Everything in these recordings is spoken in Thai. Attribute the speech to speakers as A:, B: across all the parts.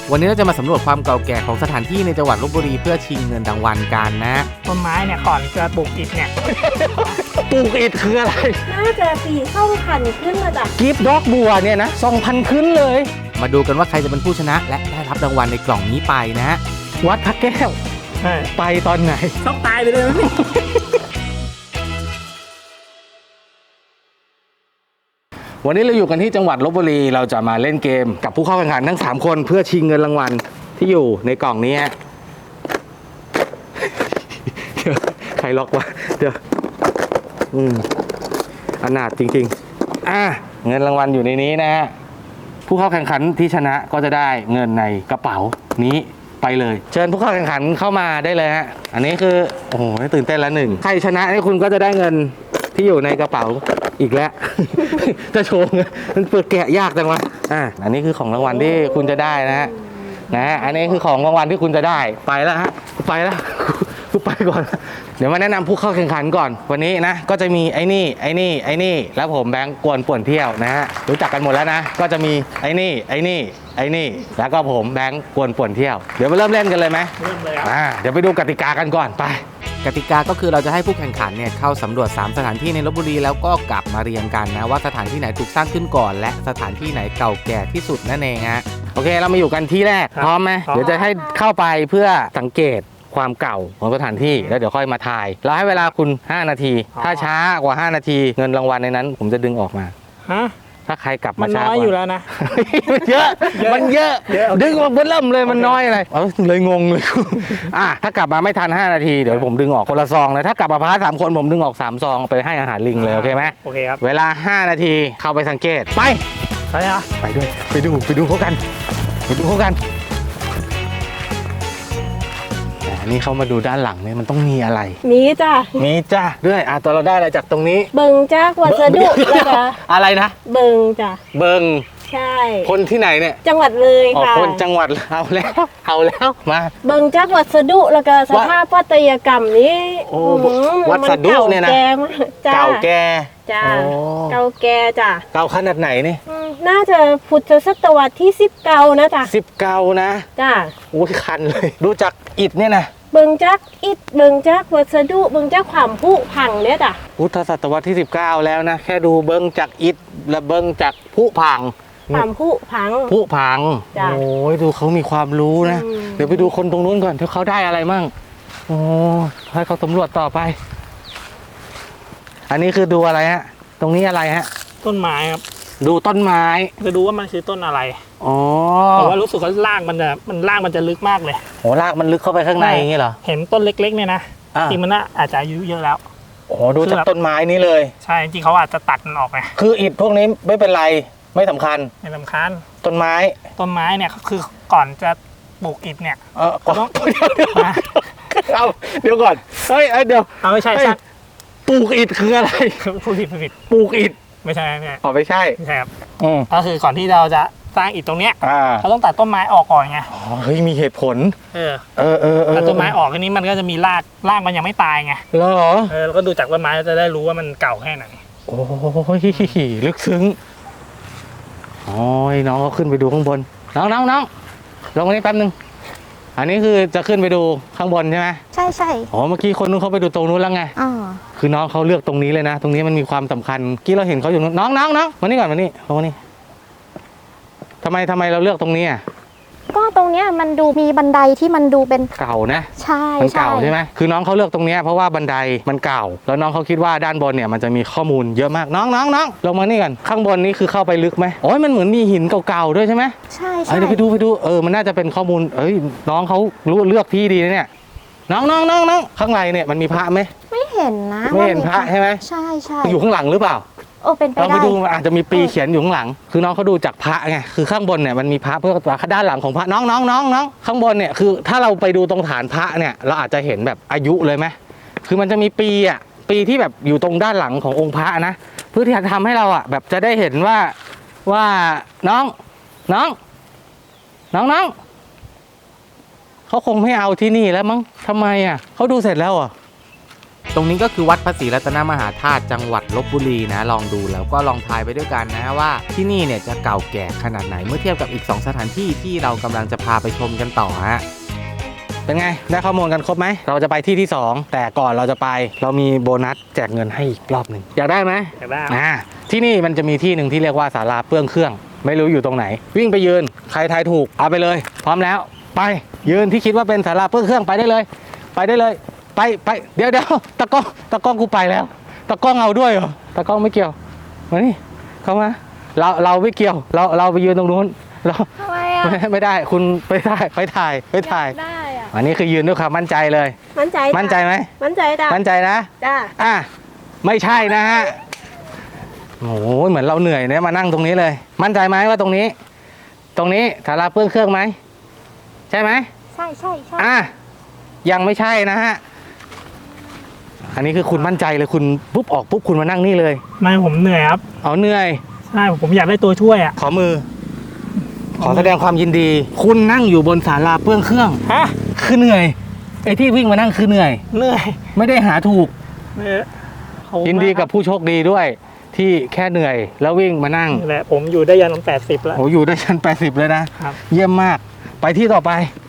A: วันนี้เราจะมาสำรวจความเก่าแก่ของสถานที่ในจังหวัดลพบุรีเพื่อชิงเงินรางวัลกันนะ
B: ต้นไม้เนี่ยก่อนจะปลูกอิฐเนี่ย
C: ปลูกอิฐคืออะไร
D: น่าจะ4,000 ขึ้นมาจาก
C: กิฟต์ดอกบัวเนี่ยนะ 2,000 ขึ้นเลย
A: มาดูกันว่าใครจะเป็นผู้ชนะและได้รับรางวัลในกล่องนี้ไปนะ
C: วัดพระแก้ว
B: ใช่
C: ไปตอนไหน
B: ต้องตายไปเลยไหม
C: วันนี้เราอยู่กันที่จังหวัดลพบุรีเราจะมาเล่นเกมกับผู้เข้าแข่งขันทั้ง3คนเพื่อชิงเงินรางวัลที่อยู่ในกล่องนี้เดี๋ยวใครล็อกวะเดี๋ยวอนาถจริงๆเงินรางวัลอยู่ในนี้นะฮะผู้เข้าแข่งขันที่ชนะก็จะได้เงินในกระเป๋านี้ไปเลยเชิญผู้เข้าแข่งขันเข้ามาได้เลยฮะอันนี้คือโอ้โหตื่นเต้นแล้วหนึ่งใครชนะนี่คุณก็จะได้เงินที่อยู่ในกระเป๋าอีกแล้ว จะโชว์มันเปิดแกะยากจังวะอันนี้คือของรางวัลที่คุณจะได้นะฮะอันนี้คือของรางวัลที่คุณจะได้ไปแล้วฮะไปแล้วกูไปก่อนเดี๋ยวมาแนะนำผู้เข้าแข่งขันก่อนวันนี้นะก็จะมีไอ้นี่แล้วผมแบงค์กวนป่วนเที่ยวนะฮะรู้จักกันหมดแล้วนะก็จะมีไอ้นี่แล้วก็ผมแบงค์กวนป่วนเที่ยวเดี๋ยวมาเริ่มเล่นกันเลยไหม
B: เริ่มเลยครับ
C: เดี๋ยวไปดูกติกากันก่อนไป
A: กติกาก็คือเราจะให้ผู้แข่งขันเนี่ยเข้าสำรวจ3สถานที่ในลพบุรีแล้วก็กลับมาเรียงกันนะว่าสถานที่ไหนถูกสร้างขึ้นก่อนและสถานที่ไหนเก่าแก่ที่สุดนั่นเองฮะ
C: โอเคเรามาอยู่กันที่แรกพร้อมไหมเดี๋ยวจะให้เข้าไปเพื่อสังเกตความเก่าของสถานที่แล้วเดี๋ยวค่อยมาทายเราให้เวลาคุณ5นาทีถ้าช้ากว่า5นาทีเงินรางวัลในนั้นผมจะดึงออกมา
B: ฮะ
C: ถ้าใครกลับ
B: มั
C: มาน ช้า
B: น้อย
C: กว่า
B: อยู่แล้วนะ
C: มันเยอะมันเยอะดึงมาเบิ่มเลยมันน้อยอะไรเลยงงเลย ถ้ากลับมาไม่ทัน5นาทีเดี๋ยวผมดึงออกคนละซองเลยถ้ากลับมาพา3คนผมดึงออก3ซองไปให้อาหารลิงเลยโอเคไหม
B: โอเคครับ
C: เวลา5นาทีเข้าไปสังเกตไป
B: ใช่ฮะ
C: ไปด้วยไปดูเขากันนี่เขามาดูด้านหลังเนี่ยมันต้องมีอะไร
D: มีจ้ะ
C: มีจ้าด้วยตอนเราได้อะไรจากตรงนี้
D: เบิงจากวัสดุแล้วก็
C: อะไรนะ
D: เบิงจ้ะ
C: เบิง
D: ใช่
C: คนที่ไหนเนี่ย
D: จังหวัดเลย
C: อ๋อ
D: ค่ะ
C: คนจังหวัดเอาแล้วมา
D: เบิงจากวัสดุแล้วก็สภาพปัตยกรรมนี้
C: โอ้
D: มั
C: วัสดุเนี่ยนะ
D: เก่าแก่มากจ้ะ
C: เก่าแก่
D: จ้ะ
C: โอ้
D: เก่าแก่จ้ะ
C: เก่าขนาดไหนนี่
D: น่าจะพุทธศตวรรษที่19นะจ้ะ
C: 10เก่านะ
D: จ้ะ
C: โอ้ยคันเลยดูจากอิฐเนี่ยนะ
D: เบิงจากอิฐเบิงจากวัสดุเบิงจากความผุพังเนี่ยจ้ะ
C: พุทธศตวรรษที่19แล้วนะแค่ดูเบิ้งจากอิฐและเบิ้งจากผุพัง
D: ความผุพัง
C: ผุพัง
D: จ้ะ
C: โอ้ยดูเขามีความรู้นะ
D: อืม
C: เดี๋ยวไปดูคนตรงนู้นก่อนที่เขาได้อะไรมั่งโอ้ให้เขาสำรวจต่อไป อันนี้คือดูอะไรฮะตรงนี้อะไรฮะ
B: ต้นไม้ครับ
C: ดูต้นไม้
B: จะดูว่ามันคือต้นอะไร
C: อ๋อ
B: แต่ว่ารู้สึกว่ารากมันจะลึกมากเลย
C: โหรากมันลึกเข้าไปข้างในอย่างนี้เหรอ
B: เห็นต้นเล็กๆเนี่ยนะ จริงมันน่าอาจจะอายุเยอะแล้ว
C: โอ้ดูจากต้นไม้นี้เลย
B: ใช่จริงเขาอาจจะตัดมันออกไง
C: คืออิฐพวกนี้ไม่เป็นไรไม่สำคัญ
B: ไม่สำคัญ
C: ต้นไม้
B: ต้นไม้เนี่ยคือก่อนจะปลูกอิฐเนี่ย
C: ก่อน
B: ต้อง
C: เอาเดี๋ยวก่อนเฮ้ยเดี๋ยว
B: เอาไม่ใช่
C: เฮ้ย ปลูกอิฐคืออะไร
B: ผู้ผิด
C: ปลูกอิฐ
B: ไม่ใช่
C: อ๋อไม่ใช่
B: ไม่ใช่ครับ
C: อืม
B: ก็คือก่อนที่เราจะสร้างอิฐตรงเนี้ย
C: อ่า
B: เขาต้องตัดต้นไม้ออกก่อนไง
C: อ๋อเฮ้ยมีเหตุผล
B: เออ
C: ตั
B: ตัดต้นไม้ออกทีนี้มันก็จะมีรากมันยังไม่ตายไง
C: เหรอ
B: แล้วก็ดูจากต้นไม้เราจะได้รู้ว่ามันเก่าแค่ไหน
C: โอ้ยลึกซึ้งโอ้ยน้องก็ขึ้นไปดูข้างบนน้องลงมานี่แป๊บนึงอันนี้คือจะขึ้นไปดูข้างบนใช่ไหม
D: ใช่
C: อ๋อเมื่อกี้คนนู้นเขาไปดูตรงนู้นแล้วไง
D: อ๋อ
C: คือน้องเขาเลือกตรงนี้เลยนะ ตรงนี้มันมีความสำคัญเมื่อกี้เราเห็นเขาอยู่นู้นน้องมานี่ก่อนมานี่ลงมานี่ทำไมเราเลือกตรงนี้อ่ะ
E: ก็ตรงเนี้ยมันดูมีบันไดที่มันดูเป็น
C: เก่านะ
E: ใช่
C: มันเก่าใช่ไหมคือน้องเขาเลือกตรงเนี้ยเพราะว่าบันไดมันเก่า แล้วน้องเขาคิดว่าด้านบนเนี่ยมันจะมีข้อมูลเยอะมากน้องลงมานี่กันข้างบนนี้คือเข้าไปลึกไหมโอ้ยมันเหมือนมีหินเก่าๆด้วยใช่ไหม
E: ใช่
C: เดี๋ยวไปดูมันน่าจะเป็นข้อมูลน้องเขารู้เลือกที่ดีนะเนี่ยน้องข้างในเนี่ยมันมีพระไหม
E: ไม่เห็นนะ
C: ไม่เห็นพระใช่ไหม
E: ใช่
C: อยู่ข้างหลังหรือเปล่า
E: โอ้เป็นไป
C: เราไป
E: ได้
C: ดูมันอาจจะมีปีเขียนอยู่ข้างหลัง คือน้องเขาดูจากพระไงคือข้างบนเนี่ยมันมีพระเพื่อด้านหลังของพระน้องข้างบนเนี่ยคือถ้าเราไปดูตรงฐานพระเนี่ยเราอาจจะเห็นแบบอายุเลยไหมคือมันจะมีปีที่แบบอยู่ตรงด้านหลังขององค์พระนะเพื่อที่จะทำให้เราแบบจะได้เห็นว่าน้องเขาคงไม่เอาที่นี่แล้วมั้งทำไมเขาดูเสร็จแล้ว
A: ตรงนี้ก็คือวัดพระศรีรัตนมหาธาตุจังหวัดลพบุรีนะลองดูแล้วก็ลองทายไปด้วยกันนะว่าที่นี่เนี่ยจะเก่าแก่ขนาดไหนเมื่อเทียบกับอีก2สถานที่ที่เรากำลังจะพาไปชมกันต่อฮะเป็นไงได้ข้อมูลกันครบไหมเราจะไปที่ที่2แต่ก่อนเราจะไปเรามีโบนัสแจกเงินให้อีกรอบหนึ่งอยากได้ไหม
B: อยากได้
A: ที่นี่มันจะมีที่หนึ่งที่เรียกว่าศาลาเปลื้องเครื่องไม่รู้อยู่ตรงไหนวิ่งไปยืนใครทายถูกเอาไปเลยพร้อมแล้วไปยืนที่คิดว่าเป็นศาลาเปลื้องเครื่องไปได้เลยไปเดี๋ยวตะกล้องกูไปแล้วตะกล้องเอาด้วยเหรอตะกล้องไม่เกี่ยวมานี่เข้ามาเราไม่เกี่ยวเราไปยืนตรงนู้นเรา
E: ทำไมอ่ะ
A: ไม่ได้คุณไปถ่าย
E: ได้อ่ะ
A: อันนี้คือยืนด้วยความมั่นใจเลย
D: มั่นใจ
A: มั่นใจไหม
D: มั่นใจจ้ะ
A: มั่นใจนะ
D: จ้า
A: ไม่ใช่นะฮะโอ้โหเหมือนเราเหนื่อยเนี่ยมานั่งตรงนี้เลย มั่นใจไหมว่าตรงนี้ศาลาเปลื้องเครื่องไหมใช่ไหม
E: ใช่
A: ยังไม่ใช่นะฮะอันนี้คือคุณมั่นใจเลยคุณปุ๊บออกปุ๊บคุณมานั่งนี่เลย
B: ไม่ผมเหนื่อยครับ
A: เอาเหนื่อย
B: ใช่ผมอยากได้ตัวช่วยอ่ะ
A: ขอมือ ขอแสดงความยินดี คุณนั่งอยู่บนศาลาเปลื้องเครื่อง
B: ฮะ
A: คือเหนื่อยไอ้ที่วิ่งมานั่งคือเหนื่อย
B: เหนื่อย
A: ไม่ได้หาถูก
B: ขอบคุณ
A: ยินดีกับ
B: มา
A: ผู้โชคดีด้วย ที่แค่เหนื่อยแล้ววิ่งมานั่ง
B: นี่แหละผมอยู่ได้ยัน80แล้ว
A: โอ้อยู่ได้ชั้น80เลยนะ
B: ครับ
A: เยี่ยมมากไปที่ต่อไป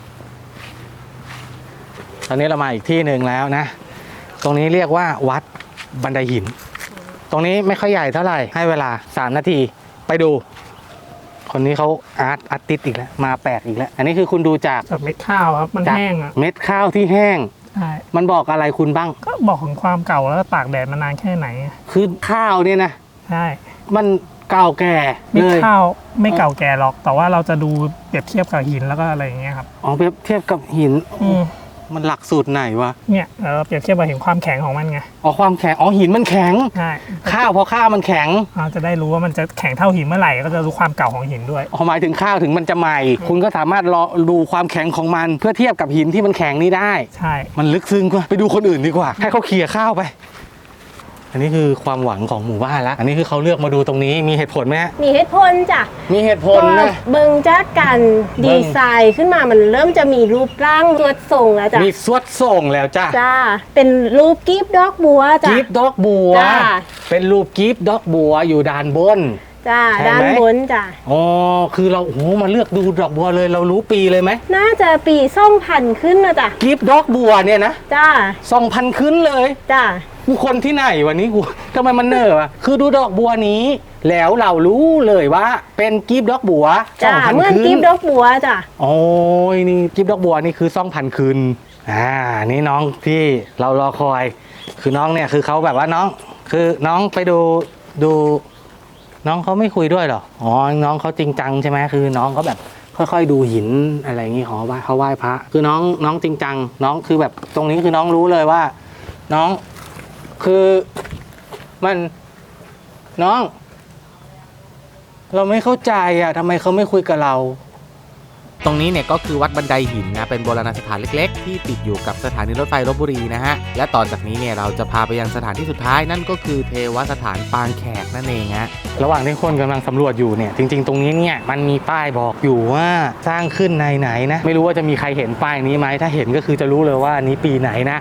A: ตอนนี้เรามาอีกที่หนึ่งแล้วนะ ตรงนี้เรียกว่าวัดบันไดหิน ตรงนี้ไม่ค่อยใหญ่เท่าไหร่ให้เวลา3นาทีไปดู คนนี้เขาอาร์ติสต์อีกแล้วมาแปลกอีกแล้ว อันนี้คือคุณดูจาก
B: จากเม็ดข้าวครับมัน
A: จาก
B: แห้งอ่ะ
A: เม็ดข้าวที่แห้ง
B: ใช่
A: มันบอกอะไรคุณบ้าง
B: ก็บอกถึงความเก่าแล้วก็ตากแดดมานานแค่ไหน
A: คือข้าวเนี่ยนะ
B: ใช่
A: มันเก่าแก่
B: เม็ด
A: เลย
B: ข้าวไม่เก่าแก่หรอก แต่ว่าเราจะดูเปรียบเทียบกับหินแล้วก็อะไรอย่างเงี้ยครับ
A: อ๋อเปรียบเทียบกับหิน มันหลักสูตรไหนวะ
B: เนี่ยเปรียบเทียบกับเห็นความแข็งของมันไง
A: อ๋อความแข็งอ๋อหินมันแข็ง
B: ใช่
A: ข้าวพอข้าวมันแข็ง
B: เราจะได้รู้ว่ามันจะแข็งเท่าหินเมื่อไหร่ก็จะรู้ความเก่าของหินด้วย
A: หมายถึงข้าวถึงมันจะใหม่ คุณก็สามารถรอดูความแข็งของมัน เพื่อเทียบกับหินที่มันแข็งนี้ได้
B: ใช่
A: มันลึกซึ้งกว่าไปดูคนอื่นดีกว่า ให้เขาเขี่ยข้าวไป อันนี้คือความหวังของหมู่บ้านแล้ว อันนี้คือเขาเลือกมาดูตรงนี้มีเหตุผลไหมฮะ
D: มีเหตุผลจ้ะ
A: มีเหตุผ
D: ก็
A: ลนะ
D: เบิ่งจากการดีไซน์ขึ้นมามันเริ่มจะมีรูปร่างตัวทรงแล้วจ้ะ
A: มีสวดส่งแล้วจ้า
D: จ้าเป็นรูปกีบดอกบัวจ้ะ
A: กีบดอกบัว
D: จ้า
A: เป็นรูปกีบดอกบัวอยู่ด้านบน
D: จ้า
A: ใช่ไหม
D: ด้านบนจ้ะ
A: อ๋อคือเราโอ้โหมาเลือกดูดอกบัวเลยเรารู้ปีเลยไหม
D: น่าจะปี2000ขึ้นนะจ้ะ
A: กีบดอกบัวเนี่ยนะ
D: จ้า
A: 2,000ขึ้นเลย
D: จ้า
A: กูคนที่ไหนวันนี้กูทำไมมันเนอวะคือดูดอกบัวนี้ แล้วเรารู้เลยว่าเป็นกีบดอกบัว
D: จ้า
A: 2,000
D: เหมื่อน
A: ขึ้น
D: กีบดอกบัวจ้ะ
A: โอ้ยนี่กีบดอกบัวนี่คือ2,000ขึ้นนี่น้องที่เรารอคอย คือน้องเนี่ยคือเขาแบบว่าน้อง คือน้องไปดูน้องเขาไม่คุยด้วยเหรออ๋อน้องเขาจริงจังใช่ไหมคือน้องเขาแบบค่อยๆดูหินอะไรอย่างงี้เขาไหว้พระคือน้องจริงจังน้องคือแบบตรงนี้คือน้องรู้เลยว่า น้องคือมันน้อง เราไม่เข้าใจอ่ะทำไมเขาไม่คุยกับเรา ตรงนี้เนี่ยก็คือวัดบันไดหินนะเป็นโบราณสถานเล็กๆที่ติดอยู่กับสถานีรถไฟลพบุรีนะฮะและต่อจากนี้เนี่ยเราจะพาไปยังสถานที่สุดท้ายนั่นก็คือเทวสถานปางแขกนั่นเองฮะระหว่างที่คนกำลังสำรวจอยู่เนี่ยจริงๆตรงนี้เนี่ยมันมีป้ายบอกอยู่ว่าสร้างขึ้นในไหนนะไม่รู้ว่าจะมีใครเห็นป้ายนี้ไหมถ้าเห็นก็คือจะรู้เลยว่านี้ปีไหนนะ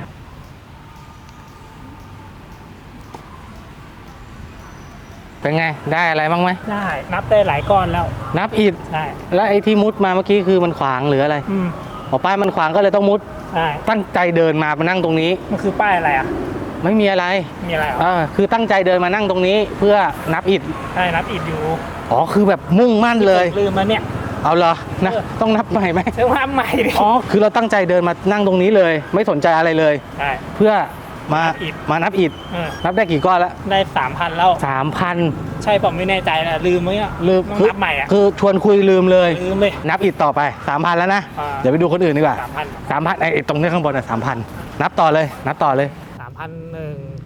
A: เป็นไงได้อะไรบ้างไหม
B: ได้นับได้หลายก้อนแล้ว
A: นับอิฐ
B: ได้
A: แล้วไอ้ที่มุดมาเมื่อกี้คือมันขวางหรืออะไรอ๋อป้ายมันขวางก็เลยต้องมุด
B: ได้
A: ตั้งใจเดินมานั่งตรงนี้
B: มันคือป้ายอะไรอ่ะ
A: ไม่มีอะไร
B: มีอะไรอ่ะ
A: คือตั้งใจเดินมานั่งตรงนี้เพื่อนับอิฐ
B: ใช่นับอิฐอยู่
A: อ๋อคือแบบมุ่งมั่นเลย
B: ลืมมาเนี่ย
A: เอาเหรอนะต้องนับใหม่ไหม
B: เชื่อว่าใหม่ดิ
A: อ๋อคือเราตั้งใจเดินมานั่งตรงนี้เลย ไม่สนใจอะไรเลย
B: ใช่
A: เพื่อมา
B: นับอิฐ
A: มานับอิฐ นับได้กี่ก้อนแล้ว
B: ได้3,000แล้ว
A: 3,000
B: ใช่ผมไม่แน่ใจนะลืมไหมอ่ะ
A: ลืม
B: ต้องนับใหม่อ่ะ
A: คือชวนคุยลืมเลย
B: ลืมเลย
A: นับอิฐต่อไป 3,000 แล้วนะ เดี๋ยวไปดูคนอื่นดีกว่า
B: 3,000
A: ไอ้ตรงนี้ข้างบนอ่ะ3,000 นับต่อเลย นับต่อเลย
B: 3,001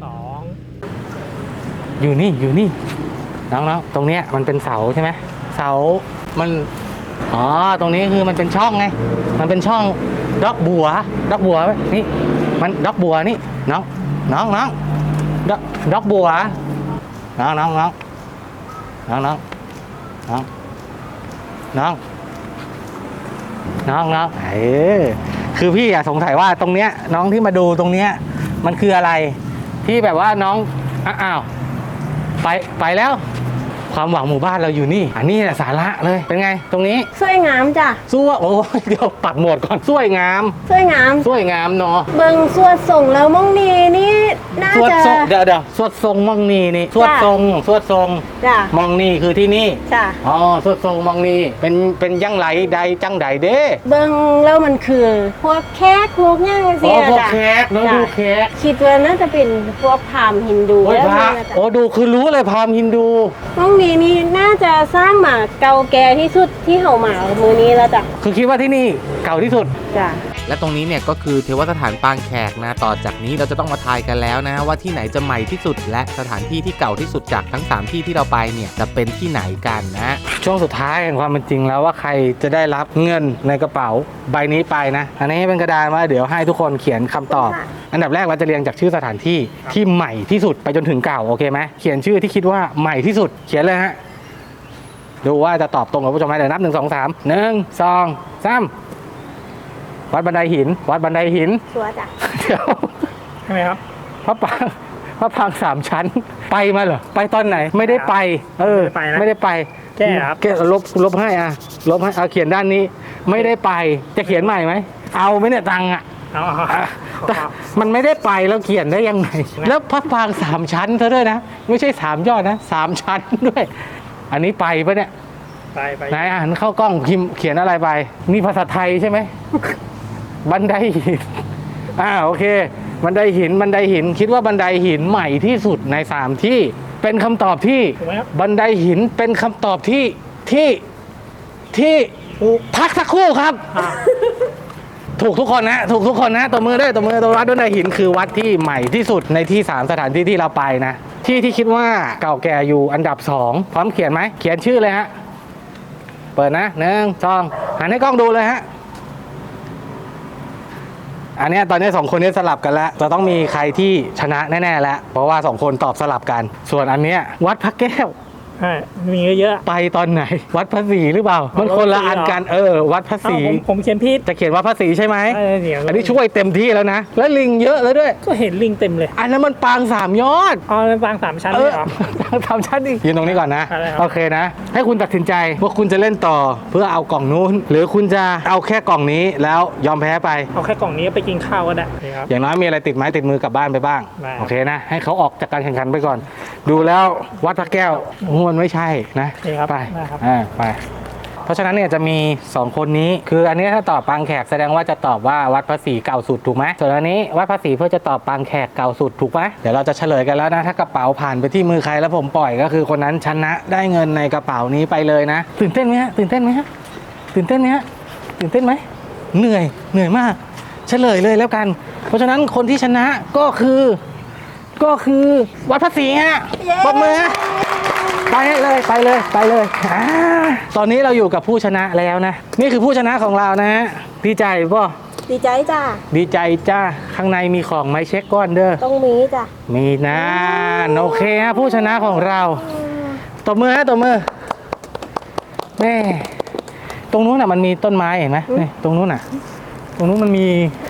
B: 3,002
A: อยู่นี่น้องๆตรงเนี้ยมันเป็นเสาใช่ไหมเสามันอ๋อตรงนี้คือมันเป็นช่องไงมันเป็นช่องดอกบัวนี่มันดอกบัวนี่น้องดอกบัวน้องคือพี่อะสงสัยว่าตรงเนี้ยน้องที่มาดูตรงเนี้ยมันคืออะไรที่แบบว่าน้องอ้าวไปแล้วความหวังหมู่บ้านเราอยู่นี่อันนี้แหละสาระเลยเป็นไงตรงนี้
D: สวยงามจ้ะ
A: สู้โอ้ยเดี๋ยวปัดโหมดก่อนสวยงาม
D: สวยงาม
A: สวยงามเนาะ
D: เบิงสวดส่งแล้วมองนีนี่น่า
A: สวด
D: จะ
A: ทรงเดี๋ยวสวดทรงมองนี่นี่สวดทรง
D: จ้ะ
A: มองนี่คือที่นี่
D: จ้ะ
A: อ๋อสวดทรงมองนี่เป็นยังไรใดจังใดเด้
D: เบิงแล้วมันคือพวกแขกพวกย่าง
A: อ๋
D: เสี
A: อยพวก
D: จ้ะ
A: แขกน้องดูแขก
D: คิดว่าน่าจะเป็นพวกพราหมณ์ฮินดู
A: โอ้ย
D: แล้ว
A: พระ
D: น่าจะ
A: โอ้ดูคือรู้เลยพราหมณ์ฮินดู
D: มองนีนี่น่าจะสร้างมาเก่าแก่ที่สุดที่เฮามามือนี้แล้วจ้ะ
A: คือคิดว่าที่นี่เก่าที่สุด
D: จ้ะ
C: และตรงนี้เนี่ยก็คือเทวสถานปางแขกนะต่อจากนี้เราจะต้องมาทายกันแล้วนะว่าที่ไหนจะใหม่ที่สุดและสถานที่ที่เก่าที่สุดจากทั้ง3ที่ที่เราไปเนี่ยจะเป็นที่ไหนกันนะ
A: ช่วงสุดท้ายแห่งความเป็นจริงแล้วว่าใครจะได้รับเงินในกระเป๋าใบนี้ไปนะ อันนี้เป็นกระดานว่าเดี๋ยวให้ทุกคนเขียนคำตอบ อันดับแรกเราจะเรียงจากชื่อสถานที่ที่ใหม่ที่สุดไปจนถึงเก่าโอเคไหมเขียนชื่อที่คิดว่าใหม่ที่สุดเขียนเลยฮะดูว่าจะตอบตรงกับผู้ชมไหมเดี๋ยวนับ1 2 3 1 2 3วัดบันไดหินวัดบันไดหิน
D: ชัวร์จ้ะ
A: เดี๋ยว
B: ใช่ไหมครับ
A: พระปราง3 ชั้นไปมาเหรอไปตอนไหนไม่ได้ไปไม่ได้ไป
B: แก้ครับ
A: แก้ลบให้อ่ะลบให้เอาเขียนด้านนี้ไม่ได้ไปจะเขียนใหม่ไหมเอาไหมเนี่ยตังค์อ่ะ
B: เอา
A: แต่มันไม่ได้ไปแล้วเขียนได้ยังไงแล้วพระปราง3 ชั้นเธอด้วยนะไม่ใช่3 ยอดนะ3 ชั้นด้วย อันนี้ไปปะเนี่ย
B: ไป
A: ไหนอ่านเข้ากล้องพิมพ์เขียนอะไรไปนี่ภาษาไทยใช่ไหม บันไดหินโอเคบันไดหินคิดว่าบันไดหินใหม่ที่สุดใน3ที่เป็นคำตอบที่
B: ถูกไหมครับ
A: บันไดหินเป็นคำตอบที่พักสักครู่ครับ ถูกทุกคนนะถูกทุกคนนะตัวมือด้วยตัววัดบันไดหินคือวัดที่ใหม่ที่สุดในที่3สถานที่ที่เราไปนะที่คิดว่าเก่าแก่อยู่อันดับ2พร้อมเขียนไหมเขียนชื่อเลยฮะเปิดนะ1 2หันให้กล้องดูเลยฮะอันเนี้ยตอนนี้2 คนนี้สลับกันแล้วจะต้องมีใครที่ชนะแน่ๆแล้วเพราะว่า2 คนตอบสลับกัน ส่วนอันเนี้ยวัดพระแก้ว
B: ใช่มีเยอะ
A: ไปตอนไหน วัดพระศรีหรือเปล่ามันคนละอันกันวัดพระ
B: ๆ
A: ศรี
B: ผมเขียนผิด
A: จะเขียนวัดพระศรีใช่ไหม
B: เดี๋ยว
A: อันนี้ช่วยเต็มที่แล้วนะแล้วลิงเยอะแล้วด้วย
B: ก็เห็นลิงเต็มเลย
A: อันนั้นมันปาง3 ยอด
B: อ๋อเป็นปาง3 ชั้นเลยเหรอ
A: ทำชั้นดิยืนตรงนี้ก่อนนะ
B: อะไรครับ
A: โอเคนะ ให้คุณตัดสินใจว่าคุณจะเล่นต่อเพื่อเอากล่องนู้น หรือคุณจะเอาแค่กล่องนี้แล้วยอมแพ้ไป
B: เอาแค่กล่องนี้ไปกินข้าวก็ได้ครับ
A: อย่างน้อยมีอะไรติดไม้ติดมือกลับบ้านไปบ้าง
B: ได้
A: โอเคนะ ให้เขาออกจากการแข่งขันไปก่อน ดูแล้ววัดพระแก้วมันไม่ใช่นะ
B: นี่ครับ
A: ไป
B: ได้ครับ
A: ไป เพราะฉะนั้นเนี่ยจะมี 2 คนนี้ คืออันนี้ถ้าตอบปางแขกแสดงว่าจะตอบว่าวัดพระศรีเก่าสุดถูกไหมส่วนอันนี้วัดพระศรีเพื่อจะตอบปางแขกเก่าสุดถูกไหมเดี๋ยวเราจะเฉลยกันแล้วนะถ้ากระเป๋าผ่านไปที่มือใครแล้วผมปล่อยก็คือคนนั้นชนะได้เงินในกระเป๋านี้ไปเลยนะตื่นเต้นไหมฮะตื่นเต้นไหมฮะตื่นเต้นไหมฮะตื่นเต้นไหมเหนื่อยมากเฉลยเลยแล้วกัน เพราะฉะนั้นคนที่ชนะก็คือวัดพระศรีฮะปรบมือฮะ ไปเลยตอนนี้เราอยู่กับผู้ชนะแล้วนะนี่คือผู้ชนะของเรานะฮะดีใจป่ะ
D: ดีใจจ้ะ
A: ดีใจจ้าข้างในมีของไหมเช็คก้อนเด้อ
D: ต้องมีจ้ะ
A: มีนะโอเคฮะผู้ชนะของเราตบมือฮะตบมือแม่ตรงนู้นน่ะมันมีต้นไม้เห็นไหมนี่ตรงนู้นน่ะตรงนู้นมันมี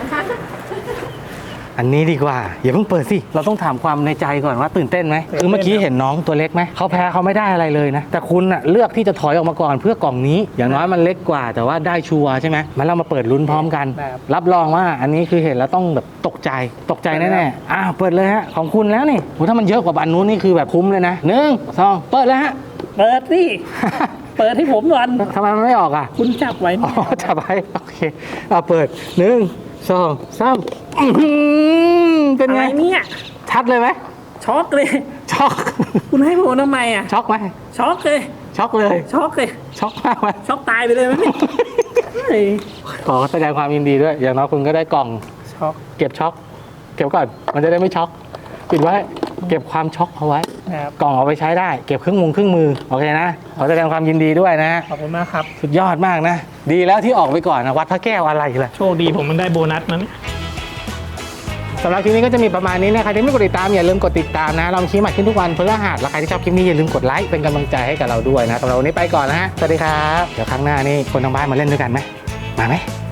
A: อันนี้ดีกว่าอย่าเพิ่งเปิดสิเราต้องถามความในใจก่อนว่าตื่นเต้นไหมคือเมื่อกี้เห็นน้องตัวเล็กไหมเขาแพ้เขาไม่ได้อะไรเลยนะแต่คุณน่ะเลือกที่จะถอยออกมาก่อนเพื่อกล่องนี้อย่างน้อยมันเล็กกว่าแต่ว่าได้ชัวร์ใช่ไหมมันเรามาเปิดลุ้นพร้อมกัน รับรองว่าอันนี้คือเห็นแล้วต้องแบบตกใจแน่ๆเปิดเลยฮะของคุณแล้วนี่โหถ้ามันเยอะกว่าอันนู้นนี่คือแบบคุ้มเลยนะ1 2เปิดเลยฮะ
B: เปิดสิ เปิดให้ผมก่อน
A: ทำไมมันไม่ออกอ่ะ
B: คุณจับไว้
A: อ๋อจับไว้โอเคเปิด1 2 3เป็น
B: อะไร
A: ไง
B: เนี่ย
A: ชัดเลยไหม
B: ช็อกเลย
A: ช็อก
B: คุณให้ผมทำไมอ่ะ
A: ช็อกไหม
B: ช็อกเลย
A: ช็อกเลย
B: ช็อกเลย
A: ช็อกมากไหม
B: ช็อกตายไปเลยไหมเนี่ยเฮ้ย
A: ขอแสดงความยินดีด้วย อย่างน้อยคุณก็ได้กล่อง
B: ช็อก
A: เก็บช็อก เก็บก่อน มันจะได้ไม่ช็อก ปิดไว้ เก็บความช็อกเอาไว้
B: นะครับ
A: กล่องเอาไปใช้ได้ เก็บเครื่องมือ โอเคนะ ขอแสดงความยินดีด้วยนะ
B: ขอบคุณมากครับ
A: สุดยอดมากนะ ดีแล้วที่ออกไปก่อนนะวัดพระแก้วอะไรล่ะ
B: โชคดีผมมันได้โบนัสนั้น
A: สำหรับคลิปนี้ก็จะมีประมาณนี้นะใครที่ไม่กดติดตามอย่าลืมกดติดตามนะ เรามีคลิปใหม่ขึ้นทุกวันพฤหัสแล้วใครที่ชอบคลิปนี้อย่าลืมกดไลค์เป็นกำลังใจให้กับเราด้วยนะสำหรับวันนี้ไปก่อนนะฮะ สวัสดีครับ เดี๋ยวครั้งหน้านี่คนทางบ้านมาเล่นด้วยกันไหมมาไหม